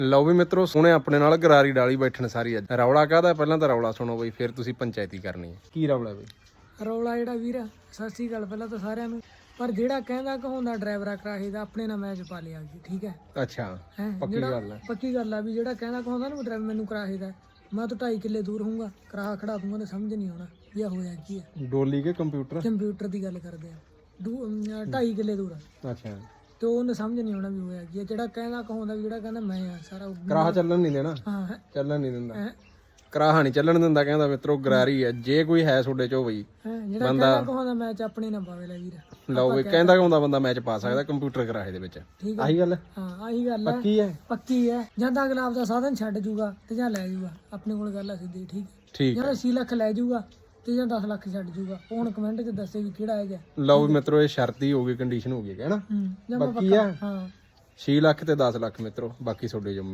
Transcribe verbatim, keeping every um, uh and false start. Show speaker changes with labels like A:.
A: ਲਓ ਵੀ ਮਿੱਤਰੋ ਸੋਹਣੇ ਆਪਣੇ ਨਾਲ ਗਰਾਰੀ ਡਾਲੀ ਬੈਠਣ ਸਾਰੀ ਅੱਜ ਰੌਲਾ ਕਾਹਦਾ ਪਹਿਲਾਂ ਤਾਂ ਰੌਲਾ ਸੁਣੋ ਬਈ ਫਿਰ ਤੁਸੀਂ ਪੰਚਾਇਤੀ ਕਰਨੀ ਹੈ ਕੀ ਰੌਲਾ ਬਈ
B: ਰੌਲਾ ਜਿਹੜਾ ਵੀਰ ਸਤਿ ਸ੍ਰੀ ਅਕਾਲ ਪਹਿਲਾਂ ਤਾਂ ਸਾਰਿਆਂ ਨੂੰ ਪਰ ਜਿਹੜਾ ਕਹਿੰਦਾ ਕਹਾਉਂਦਾ ਡਰਾਈਵਰਾ ਕਰਾਹੇ ਦਾ ਆਪਣੇ ਨਾਲ ਮੈਚ ਪਾ ਲਿਆ ਜੀ ਠੀਕ ਹੈ
A: ਅੱਛਾ
B: ਹੈ
A: ਪੱਕੀ ਗੱਲ ਹੈ
B: ਪੱਕੀ ਗੱਲ ਆ ਵੀ ਜਿਹੜਾ ਕਹਿੰਦਾ ਕਹਾਉਂਦਾ ਨਾ ਡਰਾਈਵਰ ਮੈਨੂੰ ਕਰਾਹੇ ਦਾ ਮੈਂ ਤਾਂ ਢਾਈ ਕਿੱਲੇ ਦੂਰ ਹੋਊਗਾ ਕਰਾਹਾ ਖੜਾ ਦੂੰਗਾ ਤਾਂ ਸਮਝ ਨਹੀਂ ਆਉਣਾ ਵੀ ਆ ਹੋਇਆ ਕੀ ਹੈ
A: ਡੋਲੀ ਕੇ ਕੰਪਿਊਟਰ
B: ਕੰਪਿਊਟਰ ਦੀ ਗੱਲ ਕਰਦੇ ਆ ਦੂ ਅਮ, ਢਾਈ ਕਿੱਲੇ ਦੂਰ ਆ
A: ਅੱਛਾ
B: ਤੇ ਉਹਨੇ ਸਮਝ ਨਹੀਂ ਆਉਣਾ ਵੀ ਹੋਇਆ ਕੀ ਹੈ ਜਿਹੜਾ ਕਹਿੰਦਾ ਕਹਾਉਂਦਾ ਵੀ ਜਿਹੜਾ ਕਹਿੰਦਾ ਮੈਂ ਆ ਸਾਰਾ ਉਹ-
A: ਕਰਾਹਾ ਚੱਲਣ ਨਹੀਂ ਦੇਣਾ
B: ਹਾਂ ਹੈ
A: ਚੱਲਣ ਨਹੀਂ ਦਿੰਦਾ
B: ਹੈਂ।
A: ਕਰਾਹਾ ਨਹੀਂ ਚੱਲਣ ਦਿੰਦਾ ਕਹਿੰਦਾ ਮਿੱਤਰੋ ਗਰਾਰੀ ਹੈ ਜੇ ਕੋਈ ਹੈ ਤੁਹਾਡੇ ਚੋਂ ਬਈ
B: ਹੈਂ, ਜਿਹੜਾ ਕਹਿੰਦਾ ਕਹਾਉਂਦਾ ਮੈਚ ਆਪਣੇ ਨਾਲ ਪਾਵੇ ਲੈ ਵੀਰ
A: ਲਓ ਬਈ ਕਹਿੰਦਾ ਕਹਿੰਦਾ ਬੰਦਾ ਮੈਚ ਪਾ ਸਕਦਾ ਕੰਪਿਊਟਰ ਕਰਾਹੇ ਦੇ ਵਿੱਚ
B: ਠੀਕ
A: ਆਹੀ ਗੱਲ ਹੈ
B: ਹਾਂ ਆਹੀ ਗੱਲ ਹੈ
A: ਪੱਕੀ ਹੈ
B: ਪੱਕੀ ਹੈ ਜਾਂ ਤਾਂ ਅਗਲਾ ਆਪਦਾ ਸਾਧਨ ਛੱਡ ਜੂਗਾ ਤੇ ਜਾਂ ਲੈ ਜੂਗਾ ਆਪਣੇ ਕੋਲ ਗੱਲ ਆ ਸਿੱਧੀ ਠੀਕ ਹੈ
A: ਠੀਕ
B: ਜਾਂ ਅੱਸੀ ਲੱਖ ਲੈ ਜੂਗਾ ਤੇ ਜਾਂ ਦਸ ਲੱਖ ਛੱਡ ਜੂਗਾ ਉਹ ਹੁਣ ਕਮੈਂਟ 'ਚ ਦੱਸੇ ਵੀ ਕਿਹੜਾ ਹੈਗਾ
A: ਲਓ ਵੀ ਮਿੱਤਰੋ ਇਹ ਸ਼ਰਤੀ ਹੋ ਗਈ ਕੰਡੀਸ਼ਨ ਹੋ ਗਈ ਹੈ ਨਾ
B: ਹੂੰ ਜਾਂ ਮੈਂ
A: ਬਾਕੀ ਆ
B: ਹਾਂ
A: ਛੇ ਲੱਖ ਤੇ ਦਸ ਲੱਖ ਮਿੱਤਰੋ ਬਾਕੀ ਤੁਹਾਡੇ ਜੋ